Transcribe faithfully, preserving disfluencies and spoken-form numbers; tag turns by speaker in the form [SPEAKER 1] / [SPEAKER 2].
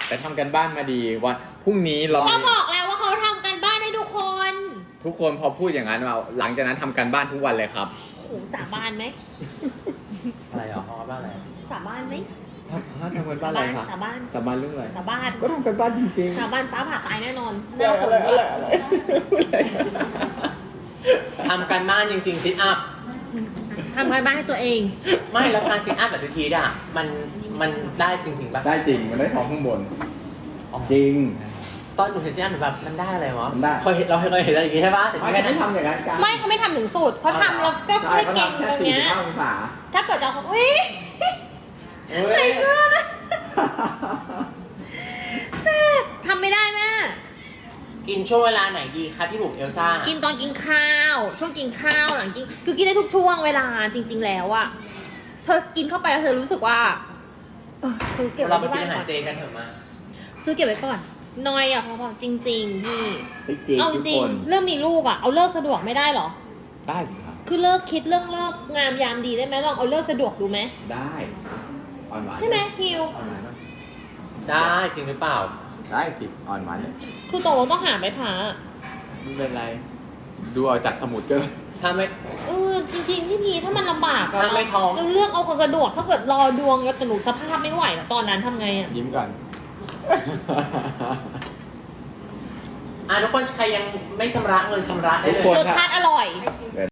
[SPEAKER 1] แต่ทำกันบ้านมาดีวันพรุ่งนี้เรา
[SPEAKER 2] เขาบอกแล้วว่าเขาทำกันบ้านให้ทุกคน
[SPEAKER 1] ทุกคนพอพูดอย่างนั้นมาหลังจากนั้นทำกันบ้านทุกวันเลยครับ
[SPEAKER 2] โหสาบานไหม
[SPEAKER 3] อะไรเหรอฮอบ้านอะไร
[SPEAKER 2] สาบานไหม
[SPEAKER 1] ทำกันบ้านอะไรคะ
[SPEAKER 2] สาบาน
[SPEAKER 1] สาบานเรื่องอะไร
[SPEAKER 2] สาบาน
[SPEAKER 1] ก็ทำกันบ้านจริงๆ
[SPEAKER 2] สาบานฟ้าผ่าตายแน่นอนห
[SPEAKER 1] อะ
[SPEAKER 2] น้าฝน
[SPEAKER 1] ไร
[SPEAKER 2] ด้
[SPEAKER 1] อะ
[SPEAKER 2] ว
[SPEAKER 1] ไร
[SPEAKER 2] ย
[SPEAKER 1] อะไรพูดอะไร
[SPEAKER 3] ทำกันบ้านจริงๆซิทอัพ
[SPEAKER 2] ทำกันบ้านให้ตัวเอง
[SPEAKER 3] ไม่แล้วการซิทอัพแบบทีๆอ่ะมันมันได้จริงๆป่ะ
[SPEAKER 1] ได้จริงมันได้ท้องข้างบนจริง
[SPEAKER 3] ตอนหนูเห็นซิทอัพแบบมันได้อะไรวะ
[SPEAKER 1] มันได้
[SPEAKER 3] เคยเห็นเราเคยเห็นอะไรอย่างงี้ใช่ป่ะแต่
[SPEAKER 1] ไม่
[SPEAKER 3] แค่
[SPEAKER 1] ได้
[SPEAKER 3] นั้น
[SPEAKER 1] ทำอย่างนั้นกัน
[SPEAKER 2] ไม่เขาไม่ทำถึงสูตรเขาทำแล้วก็
[SPEAKER 1] ใช่
[SPEAKER 2] แค่
[SPEAKER 1] เขา
[SPEAKER 2] เก่ง
[SPEAKER 1] ทำแค่
[SPEAKER 2] ตรง
[SPEAKER 1] สี่
[SPEAKER 2] เนี้ย
[SPEAKER 1] ห้าองศา
[SPEAKER 2] ถ้าเกิดจะอุ้ยใส่เสื้อนะทำไม่ได้แม่
[SPEAKER 3] กินช่วงเวลาไหนดีคะพี่บุ๋มเอลซ่า
[SPEAKER 2] กินตอนกินข้าว ช่วงกินข้าวหลังกินคือกินได้ทุกช่วงเวลาจริง ๆ แล้วอะเธอกินเข้าไปแล้วเธอรู้สึกว่าเออซื้อเก็บ
[SPEAKER 3] เรา
[SPEAKER 2] ไว้
[SPEAKER 3] ไป
[SPEAKER 2] ที่
[SPEAKER 3] กิน
[SPEAKER 2] บ้าน
[SPEAKER 3] อาหาร
[SPEAKER 2] ก่อน
[SPEAKER 3] เจกันเถอะมา
[SPEAKER 2] ซื้อเก็บไว้ก่อนนอยอะพอๆจริงๆพี่
[SPEAKER 1] เฮ้ยจริง
[SPEAKER 2] เอาจ
[SPEAKER 1] ทุก
[SPEAKER 2] ริง
[SPEAKER 1] คน
[SPEAKER 2] เรื่องมีลูกอะเอาเลิกสะดวกไม่ได้เหรอ
[SPEAKER 1] ได้สิครับ
[SPEAKER 2] คือเลิกคิดเรื่องเลิกงามยามดีได้ไหมลองเอาเลิกสะดวกดูไหม
[SPEAKER 1] ได้อ่อนหวาน
[SPEAKER 2] ใช่ไหมคิว
[SPEAKER 1] อ่อนหวานไหม
[SPEAKER 3] ได้จริงหรือเปล่า
[SPEAKER 1] ได้สิอ่อนหวานเลย
[SPEAKER 2] คือตกลงต้องหาไปผ่า
[SPEAKER 1] ไม่เป็นไร ดูเอาจากสมุดก็
[SPEAKER 3] ถ้าไม่
[SPEAKER 2] เออจริงๆพี่พีถ้ามันลำบากอะ
[SPEAKER 3] ถ้าไม่ท้อง
[SPEAKER 2] เราเลือกเอาคนสะดวกถ้าเกิดรอดวงแล้วแต่หนูสภาพไม่ไหวแล้วตอนนั้นทำไงอะ
[SPEAKER 1] ยิ้มก่อน
[SPEAKER 3] อ่ะทุกคนใครยังไม่ชำระเงินชำระได้
[SPEAKER 1] ทุ
[SPEAKER 3] เล
[SPEAKER 1] กคน
[SPEAKER 3] ย
[SPEAKER 2] รสชาติอร่อย